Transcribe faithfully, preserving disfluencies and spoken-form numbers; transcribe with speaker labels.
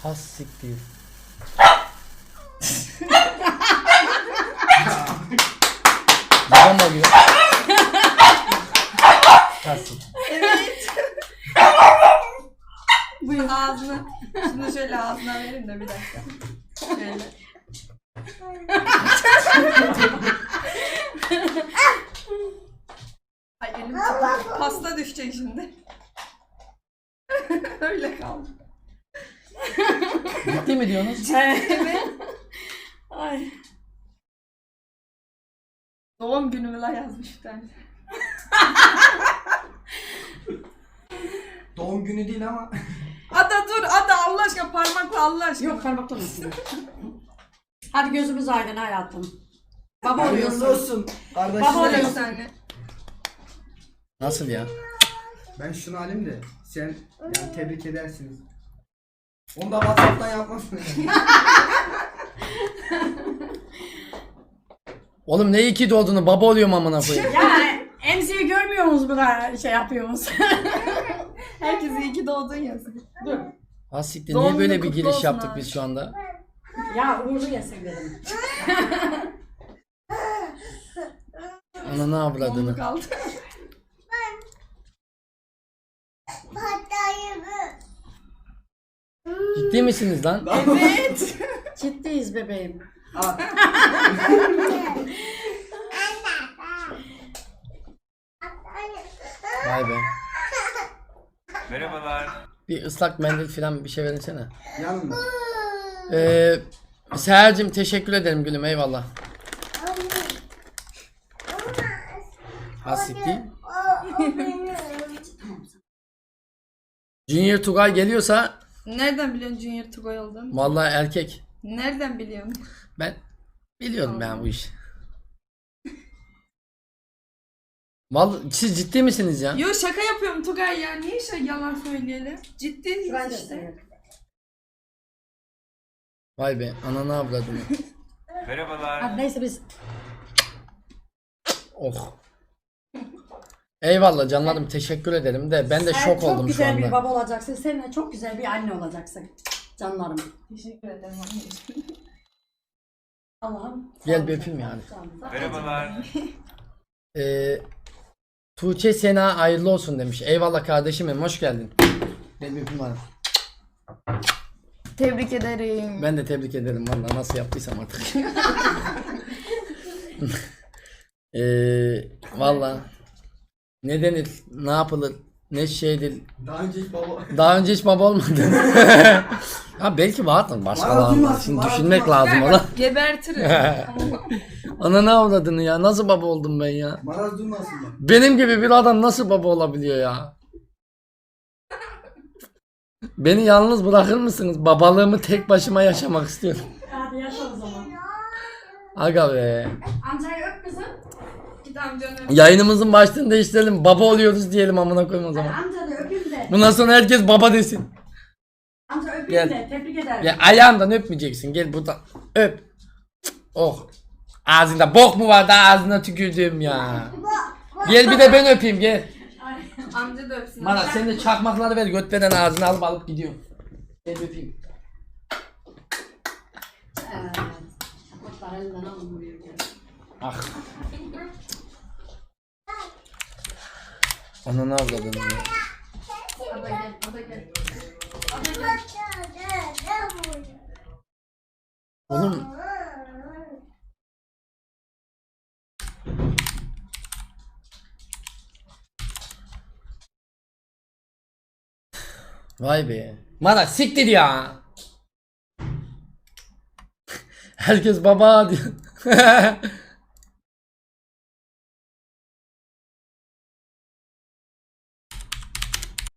Speaker 1: Has siktir. Babam arıyor. Has siktir.
Speaker 2: Evet. Buyur ağzına. Şunu şöyle ağzına verin de bir dakika. Şöyle. Ay elim çıktı. Pasta düşecek şimdi. Öyle kaldı.
Speaker 1: Ciddi mi diyorsunuz?
Speaker 2: Evet. Ay. Doğum günümü la yazmış bir tane.
Speaker 3: Doğum günü değil ama.
Speaker 2: Ada dur Ada Allah aşkına parmakla Allah aşkına.
Speaker 4: Yok parmakla olsun. Hadi gözümüz aydın hayatım. Baba
Speaker 3: Hayırlı
Speaker 4: oluyorsun.
Speaker 3: olsun. Kardeşim.
Speaker 4: Baba
Speaker 2: Şöyle
Speaker 4: oluyorsun.
Speaker 2: bir tane.
Speaker 1: Nasıl ya?
Speaker 3: Ben şunu alayım da sen yani tebrik edersiniz. Onu da WhatsApp'tan yapmasın.
Speaker 1: Oğlum ne iyi ki doğduğunu baba oluyorum amına koyayım.
Speaker 4: Ya emziği görmüyor musunuz bu da şey yapıyorsunuz?
Speaker 2: Herkese iyi ki doğdun yazın.
Speaker 4: Dur.
Speaker 1: Has siktir.
Speaker 2: Doğum
Speaker 1: Niye böyle
Speaker 2: günü
Speaker 1: bir
Speaker 2: kutlu
Speaker 1: giriş
Speaker 2: olsun
Speaker 1: yaptık
Speaker 2: abi.
Speaker 1: biz şu anda?
Speaker 4: Ya uğurlu yesin dedim.
Speaker 1: Ananı avradını.
Speaker 2: Onu kaldı.
Speaker 1: Ciddi misiniz lan?
Speaker 2: Evet.
Speaker 4: Ciddiyiz bebeğim.
Speaker 3: Al.
Speaker 1: Vay be.
Speaker 5: Merhabalar.
Speaker 1: Bir ıslak mendil falan bir şey verinsene.
Speaker 3: Yanında.
Speaker 1: Ee, Seher'cim teşekkür ederim gülüm, eyvallah. Has siktir. Junior Tugay geliyorsa
Speaker 2: Nereden biliyorsun Junior Tugay olduğunu?
Speaker 1: vallahi erkek.
Speaker 2: Nereden biliyorsun?
Speaker 1: Ben biliyorum ben bu işi. Vallahi siz ciddi misiniz ya?
Speaker 2: Yo şaka yapıyorum Tugay ya. Niye şey yalan söyleyelim? Ciddi
Speaker 4: Ben de
Speaker 2: işte.
Speaker 4: seviyorum.
Speaker 1: Vay be ananı avradını.
Speaker 5: Merhabalar.
Speaker 4: Hadi neyse biz
Speaker 1: Oh. Eyvallah canlarım, teşekkür ederim de ben de
Speaker 4: sen
Speaker 1: şok
Speaker 4: çok
Speaker 1: oldum şu
Speaker 4: güzel bir
Speaker 1: anda.
Speaker 4: baba olacaksın. Sen de çok güzel bir anne olacaksın. Canlarım.
Speaker 2: Teşekkür ederim anneciğim.
Speaker 4: Allah'ım.
Speaker 1: Gel bir öpeyim yani.
Speaker 5: Merhabalar.
Speaker 1: Ee, Tuğçe Sena hayırlı olsun demiş. Eyvallah kardeşimim, hoş geldin. Gel bir öpeyim bana.
Speaker 2: Tebrik ederim.
Speaker 1: Ben de tebrik ederim vallahi nasıl yaptıysam artık. Eee vallahi ne denir, ne yapılır, ne şeydir.
Speaker 3: Daha önce hiç baba.
Speaker 1: Daha önce hiç baba olmadı. Ha belki vardır
Speaker 3: Bana
Speaker 1: başkalarında.
Speaker 3: duymasın,
Speaker 1: Şimdi
Speaker 3: bana
Speaker 1: düşünmek
Speaker 3: duymasın.
Speaker 1: lazım ona.
Speaker 2: Gebertirim.
Speaker 1: Ana ne avradını ya, nasıl baba oldum ben ya?
Speaker 3: Maraz duymasın bak.
Speaker 1: Benim gibi bir adam nasıl baba olabiliyor ya? Beni yalnız bırakır mısınız? Babalığımı tek başıma yaşamak istiyorum.
Speaker 4: Hadi yaşa o zaman.
Speaker 1: Aga be.
Speaker 4: Amcayı öp kızım.
Speaker 2: Git amcanı.
Speaker 1: Yayınımızın başlığını değiştirelim. Baba oluyoruz diyelim amına koyayım o
Speaker 4: Hadi
Speaker 1: zaman.
Speaker 4: amca da öpeyim de.
Speaker 1: Bundan sonra herkes baba desin.
Speaker 4: Amca öpeyim
Speaker 1: Gel.
Speaker 4: de. Tebrik ederim.
Speaker 1: Ya ayağından öpmeyeceksin. Gel buradan öp. Oh. Ağzında bok mu var da ağzına tükürdüğüm ya. Gel bir de ben öpeyim gel.
Speaker 2: Amca da öpsün.
Speaker 1: Bana sen de çakmakları ver, göt veren ağzına alıp alıp gidiyorum. Gel öpeyim.
Speaker 4: Evet. Çakmaklar elinden alınmıyor.
Speaker 1: Ah. Ananı avradın ya.
Speaker 4: Hadi gel. Hadi gel.
Speaker 1: Oğlum vay be. Mara siktir ya. Herkes baba diyor.